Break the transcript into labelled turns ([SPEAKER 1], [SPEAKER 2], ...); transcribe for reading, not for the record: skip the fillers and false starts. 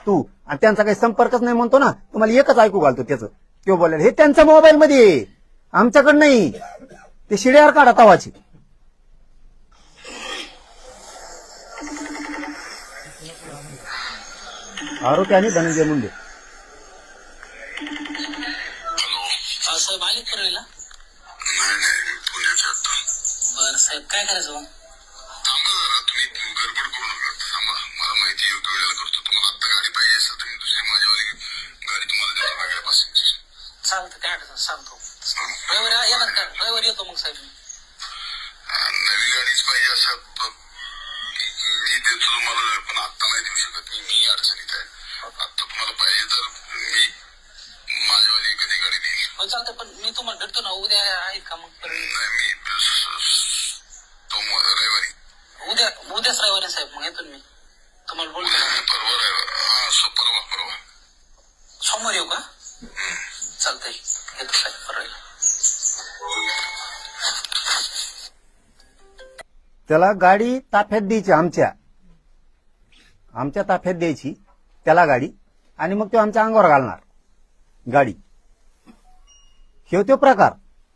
[SPEAKER 1] तू आणि त्यांचा काही संपर्कच नाही म्हणतो ना, तुम्हाला एकच ऐकू घालतो त्याचं. तो बोलायला हे त्यांच्या मोबाईल मध्ये आहे, आमच्याकडे नाही. ते शिड्यावर काढा तवाची. आरोपी आणि धनंजय मुंडे.
[SPEAKER 2] साहेब आले परळीला?
[SPEAKER 3] नाही नाही, पुण्याच्या आता.
[SPEAKER 2] बरं साहेब, काय करायचं मग?
[SPEAKER 3] थांबा जरा, तुम्ही गडबड करू नका. थांबा, मला माहिती योग्य वेळेला करतो. तुम्हाला आता गाडी पाहिजे असेल तर मी दुसरी माझ्यावाली गाडी तुम्हाला देतो वेगळ्या पासूनची.
[SPEAKER 2] चालतं, काय अडचण सांगतो. रविवारी येणार का? रविवारी येतो मग साहेब.
[SPEAKER 3] नवी गाडीच पाहिजे असं मी देतो तुम्हाला, पण आता नाही देऊ शकत मी अडचणीत आहे. आता तुम्हाला पाहिजे तर मी माझ्यावाली एखादी गाडी देईल.
[SPEAKER 2] हो चालतं, पण मी तुम्हाला भेटतो ना उद्या. आहेत का मग परळी?
[SPEAKER 3] नाही, मी रविवारी.
[SPEAKER 2] उद्याच रविवारी साहेब, मग येतो मी तुम्हाला बोलतो ना.
[SPEAKER 3] परवा रविवार. हा, परवा.
[SPEAKER 2] सोमवार येऊ का? चालतंय, येतो साहेब परळीला.
[SPEAKER 1] त्याला गाडी ताफ्यात द्यायची, आमच्या ताफ्यात द्यायची त्याला गाडी, आणि मग तो आमच्या अंगावर घालणार गाडी. हे तो प्रकार.